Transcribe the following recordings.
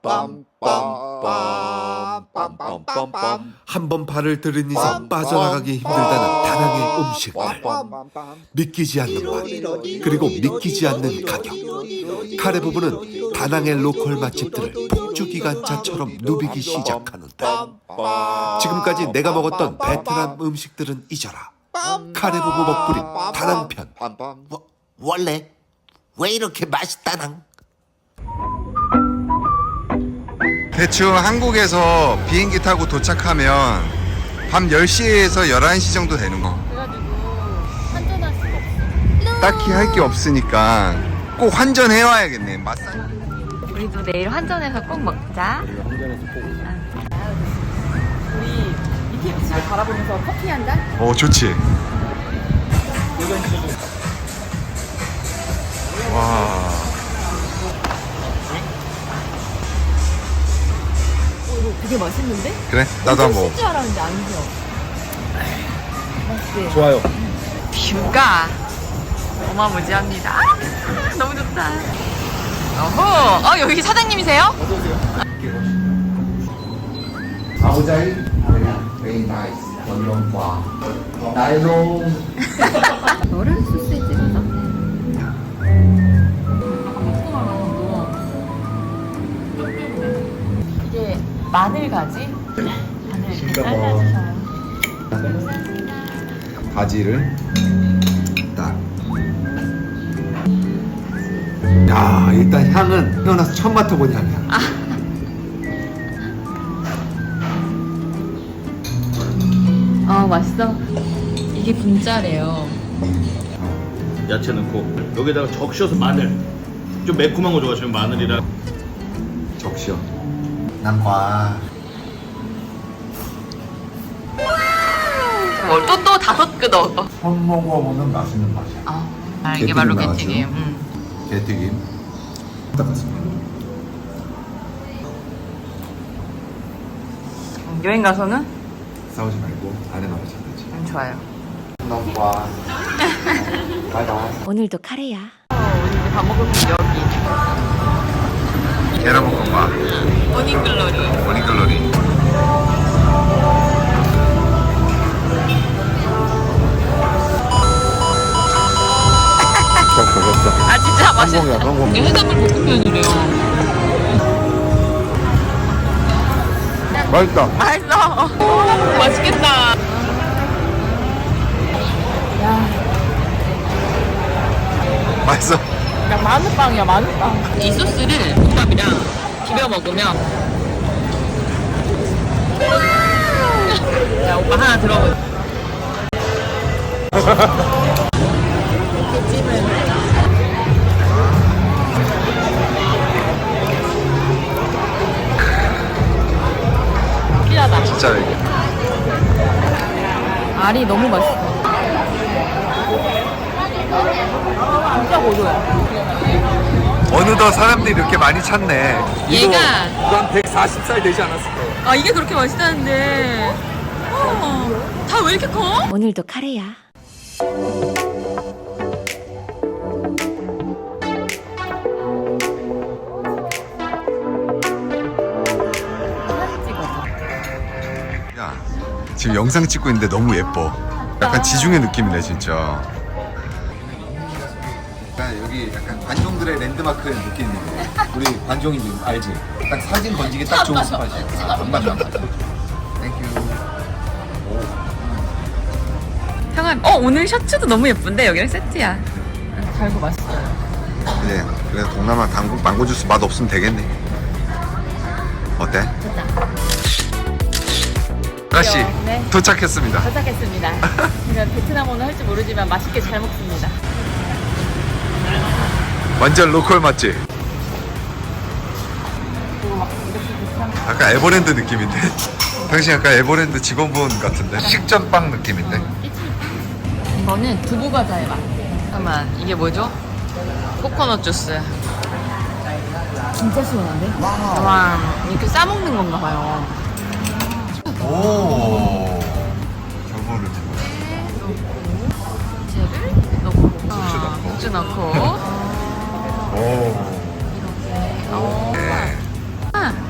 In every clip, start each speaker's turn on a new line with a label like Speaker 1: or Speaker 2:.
Speaker 1: 한 번 발을 들인 이상 빠져나가기 힘들다는 다낭의 음식들, 믿기지 않는 맛, 그리고 믿기지 않는 가격. 카레 부부는 다낭의 로컬 맛집들을 폭주기관차처럼 누비기 시작하는데, 지금까지 내가 먹었던 베트남 음식들은 잊어라. 카레 부부 먹부림 다낭편.
Speaker 2: 원래 왜 이렇게 맛있다낭?
Speaker 3: 대충 한국에서 비행기 타고 도착하면 밤 10시에서 11시 정도 되는 거.
Speaker 4: 그래가지고 환전할 수가 없어.
Speaker 3: 딱히 할 게 없으니까 꼭 환전해 와야겠네.
Speaker 4: 우리도 내일 환전해서 꼭 먹자. 우리 BTS를 바라보면서 커피 한 잔?
Speaker 3: 좋지. 와.
Speaker 4: 이거 되게 맛있는데?
Speaker 3: 그래? 나도 한번 먹어.
Speaker 4: 줄 알았는데 아니죠? 맛있지?
Speaker 1: 좋아요.
Speaker 4: 뷰가 어마무지합니다. 너무 좋다. 어허, 여기 사장님이세요?
Speaker 2: 아우자이 very nice. 원롱과 나이롱.
Speaker 4: 너를 소스에 찍어서. 이게 마늘가지? 마늘 이렇게 잘라주셔요.
Speaker 3: 바지를 딱.
Speaker 1: 야, 일단 향은 태어나서 처음 맡아본 향이야.
Speaker 4: 맛있어. 이게 분짜래요.
Speaker 5: 야채 넣고 여기다가 적셔서 마늘 좀 매콤한 거 좋아하시면 마늘이랑
Speaker 3: 적셔.
Speaker 2: 남과
Speaker 4: 또 다섯 끄 넣어.
Speaker 2: 처음 먹어보는 맛있는 맛이야.
Speaker 4: 이게 바로 게튀김.
Speaker 3: 게튀김. 닦았습니다.
Speaker 4: 여행 가서는
Speaker 3: 싸우지 말고 안에 말을 잘하지.
Speaker 4: 좋아요.
Speaker 2: 남과 바이바이.
Speaker 6: 오늘도 카레야.
Speaker 4: 우리 이제 밥 먹을 곳 여기.
Speaker 3: 계란볶음밥.
Speaker 4: 모닝글로리.
Speaker 3: 모닝글로리.
Speaker 4: 진짜 맛있어. 이게 해산물 볶음면이래요.
Speaker 3: 맛있다.
Speaker 4: 맛있어. 맛있겠다.
Speaker 3: 맛있어.
Speaker 4: 그냥 마늘빵이야, 마늘빵. 이 소스를 국밥이랑 비벼 먹으면. 자, 오빠 하나 들어보자. 필요하다.
Speaker 3: 진짜 이게.
Speaker 4: 알이 너무 맛있어. 진짜 고소해.
Speaker 3: 어느덧 사람들이 이렇게 많이 찾네.
Speaker 4: 얘가
Speaker 1: 한 140살 되지 않았을 거야.
Speaker 4: 이게 그렇게 맛있다는데 다 왜 이렇게 커?
Speaker 6: 오늘도 카레야.
Speaker 3: 야, 지금 영상 찍고 있는데 너무 예뻐. 약간 지중해 느낌이네 진짜. 약간 여기 약간 관종들의 랜드마크 느낌이네. 우리 관종이 알지? 딱 사진 건지기 딱 좋은 스팟이야. 안 맞아 안 맞아. 땡큐.
Speaker 4: 형아, 오늘 셔츠도 너무 예쁜데 여기랑 세트야. 달고 맛있어요.
Speaker 3: 그래 동남아 망고 주스 맛 없으면 되겠네. 어때? 아가씨
Speaker 4: 네.
Speaker 3: 도착했습니다.
Speaker 4: 도착했습니다. 제가 베트남어는 할 줄 모르지만 맛있게 잘 먹습니다.
Speaker 3: 완전 로컬 맛집. 약간 에버랜드 느낌인데? 당신 약간 에버랜드 직원분 같은데? 식전빵 느낌인데?
Speaker 4: 이거는 두부 과자의 맛. 잠깐만, 이게 뭐죠? 코코넛 주스. 진짜 시원한데? 와, 이렇게 싸먹는 건가 봐요.
Speaker 3: 오. 저거를
Speaker 4: 채를 넣고,
Speaker 3: 고추 넣고.
Speaker 4: 고추 넣고.
Speaker 3: 오.
Speaker 4: 이렇게.
Speaker 3: 네.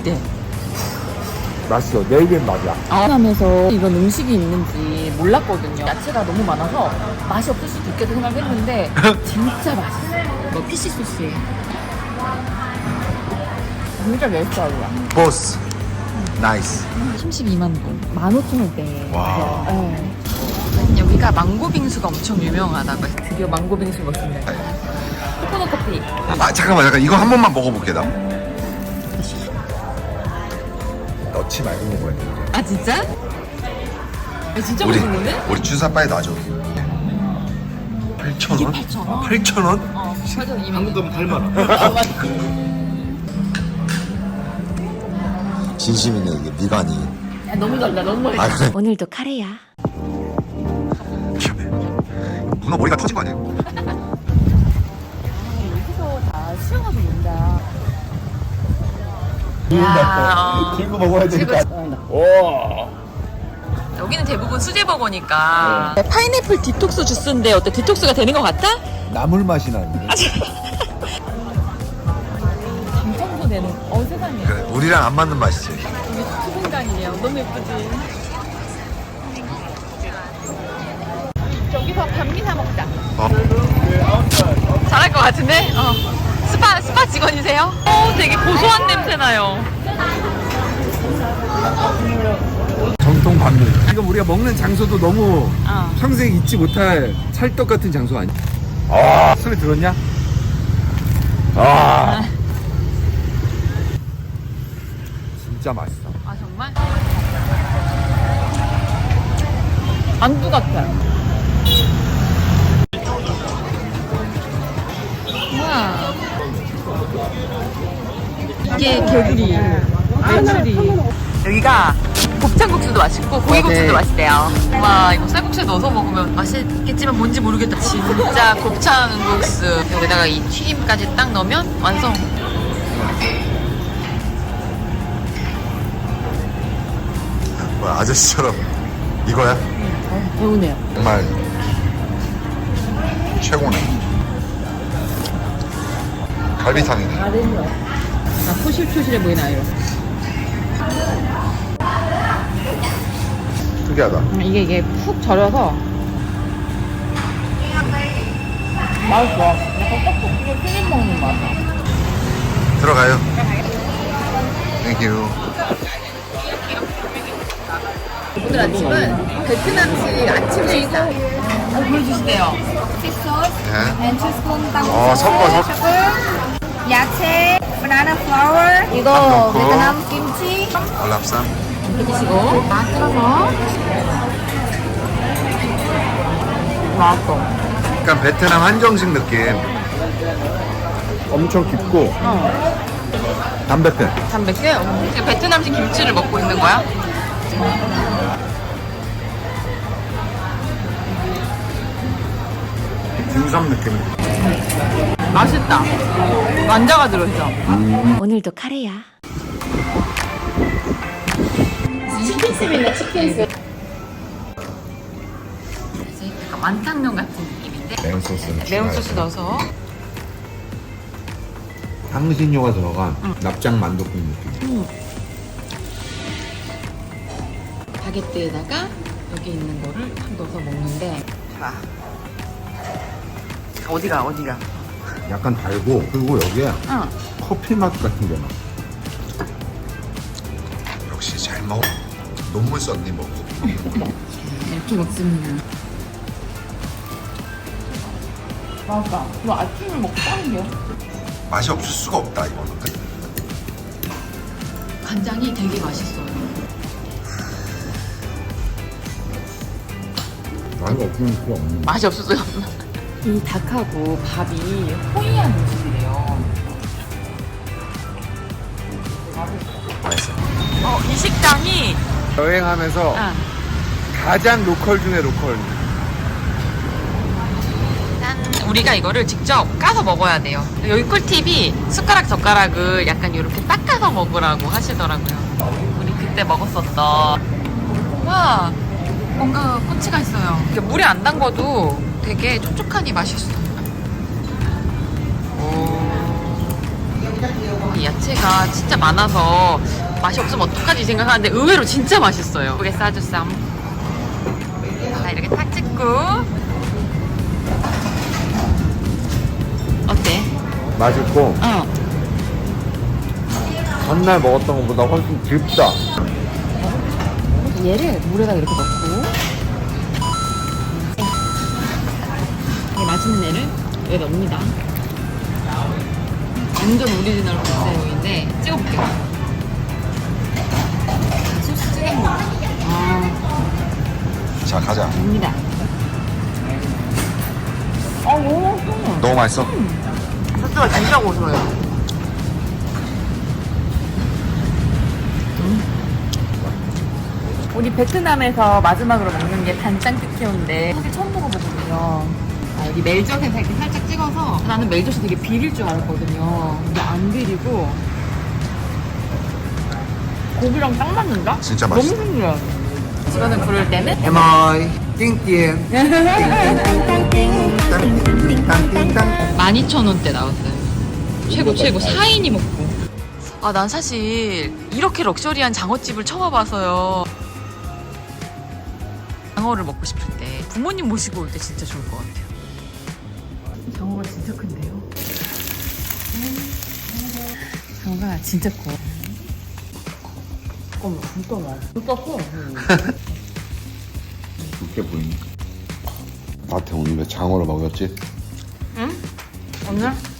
Speaker 4: 어때?
Speaker 2: 맛있어. 내 입엔 맞아.
Speaker 4: 하면서 이런 음식이 있는지 몰랐거든요. 야채가 너무 많아서 맛이 없을 수도 있겠다 생각했는데 진짜 맛있어요. 이거 피시 소스에 진짜 몇 살이야?
Speaker 3: 보스. 나이스.
Speaker 4: 32만 동, 15,000원대.
Speaker 3: 와.
Speaker 4: 여기가 망고 빙수가 엄청 유명하다고 해서 드디어 망고 빙수 먹습니다. 코코넛 커피.
Speaker 3: 잠깐만. 이거 한 번만 먹어볼게, 나. 넣지 말고 먹어야 돼.
Speaker 4: 아 진짜? 진짜
Speaker 3: 우리,
Speaker 4: 맛있는 거네?
Speaker 3: 우리 주사 빨리 놔줘. 8,000원?
Speaker 4: 8,000원?
Speaker 3: 8,000원?
Speaker 4: 어, 8,000원
Speaker 5: 한국 가면 8만 원.
Speaker 3: 진심이네, 이게 미간이.
Speaker 4: 야, 너무 달다, 너무 맛있어.
Speaker 3: 아, 그래.
Speaker 6: 오늘도 카레야.
Speaker 3: 문어 머리가 터진 거 아니에요?
Speaker 4: 여기서 다 수영하고 논다.
Speaker 2: 들고 먹어야 되니까.
Speaker 4: 여기는 대부분 수제버거니까 파인애플 디톡스 주스인데 어때? 디톡스가 되는 것 같아?
Speaker 2: 나물 맛이 나는데.
Speaker 4: 감청도 되는. 세상에.
Speaker 3: 그래, 우리랑 안 맞는 맛이지.
Speaker 4: 우리 수분간이에요. 너무 예쁘지? 저기서 반미 사 먹자. 잘할 것 같은데? 스파 직원이세요? 되게 고소한 냄새 나요.
Speaker 2: 정통 반미. 지금 우리가 먹는 장소도 너무
Speaker 4: 어.
Speaker 2: 평생 잊지 못할 찰떡 같은 장소 아니야? 아, 소리 들었냐? 아, 진짜 맛있어.
Speaker 4: 아 정말? 안두 같아. 우와. 이게 개구리, 메추리. 여기가 곱창국수도 맛있고 고기국수도 맛있대요. 와 이거 쌀국수에 넣어서 먹으면 맛있겠지만 뭔지 모르겠다. 진짜 곱창국수. 여기다가 이 튀김까지 딱 넣으면 완성.
Speaker 3: 뭐야, 아저씨처럼 이거야?
Speaker 4: 배우네요.
Speaker 3: 정말 최고네. 갈비탕이네.
Speaker 4: 아, 토실토실해 보이나요?
Speaker 3: 특이하다.
Speaker 4: 이게 푹 절여서 맛있어. 약간 떡볶이에 튀김 먹는 맛.
Speaker 3: 들어가요. 땡큐.
Speaker 4: 오늘 아침은 베트남식 아침 식사. 보여주시대요.
Speaker 3: 네.
Speaker 6: 치스콘 빵.
Speaker 3: 섞어.
Speaker 6: 야채, 바나나 플라워. 이거
Speaker 3: 넣고.
Speaker 6: 베트남 김치.
Speaker 3: 월남쌈.
Speaker 4: 드시고 맛 들어서. 맛있어.
Speaker 3: 약간 베트남 한정식 느낌.
Speaker 2: 엄청 깊고 담백해.
Speaker 4: 담백해? 베트남식 김치를 먹고 있는 거야?
Speaker 2: 균삼 느낌.
Speaker 4: 맛있다. 완자가 들어있어.
Speaker 6: 오늘도 카레야.
Speaker 4: 이제 약간 완탕면 같은 느낌인데
Speaker 2: 매운 소스는
Speaker 4: 매운 소스 넣어서
Speaker 2: 향신료가 들어간 납작 만둣국 느낌.
Speaker 4: 바게트에다가 여기 있는 거를 탁 넣어서 먹는데 자 어디가
Speaker 2: 약간 달고 그리고 여기에
Speaker 4: 응.
Speaker 2: 커피 맛 같은 게 나.
Speaker 3: 역시 잘 먹어. 논문 썼니 뭐.
Speaker 4: 이렇게 먹습니다. 맛있다. 이거 아침을 먹고 빠는데요?
Speaker 3: 맛이 없을 수가 없다 이거는.
Speaker 4: 간장이 되게 맛있어요.
Speaker 2: 맛이 없으면 필요 없는.
Speaker 4: 맛이 없어서요. 이 닭하고 밥이 호이안 음식이래요.
Speaker 3: 맛있어.
Speaker 4: 이 식당이
Speaker 2: 여행하면서 가장 로컬 중에 로컬.
Speaker 4: 우리가 이거를 직접 까서 먹어야 돼요. 여기 꿀팁이 숟가락 젓가락을 약간 이렇게 닦아서 먹으라고 하시더라고요. 우리 그때 먹었었던. 와 뭔가 꼬치가 있어요. 이게 물에 안 담궈도 되게 촉촉하니 맛있어요. 이 야채 야채가 진짜 많아서 맛이 없으면 어떡하지 생각하는데 의외로 진짜 맛있어요. 예쁘게 싸줬쌈. 자, 이렇게 탁 찍고. 어때?
Speaker 2: 맛있고
Speaker 4: 어.
Speaker 2: 전날 먹었던 것보다 훨씬 깊다.
Speaker 4: 얘를 물에다 이렇게 넣고 이 맛있는 애를 여기 넣습니다. 완전 오리지널 감자용인데 찍어볼게요. 소스 찍은 거.
Speaker 3: 자 가자.
Speaker 4: 됩니다. 너무 맛있어.
Speaker 3: 너무 맛있어?
Speaker 4: 소스가 진짜 고소해요. 우리 베트남에서 마지막으로 먹는 게 단짠 띠케오인데 사실 처음 먹어보거든요. 여기 멜젓에 이렇게 살짝 찍어서 나는 멜젓이 되게 비릴 줄 알았거든요. 근데 안 비리고 고기랑 딱 맞는다?
Speaker 3: 진짜 맛있어.
Speaker 4: 너무 신기해. 이거는 부를 때는
Speaker 3: 에마이 띵띵
Speaker 4: 12,000원대 나왔어요. 최고 4인이 먹고. 아, 난 사실 이렇게 럭셔리한 장어집을 처음 와봐서요. 장어를 먹고 싶을 때 부모님 모시고 올 때 진짜 좋을 것 같아요. 장어가 진짜 큰데요? 장어가 진짜 커. 어머, 진짜 많아. 진짜 커.
Speaker 3: 웃겨 보이네. 나한테 오늘 왜 장어를 먹였지?
Speaker 4: 응? 오늘?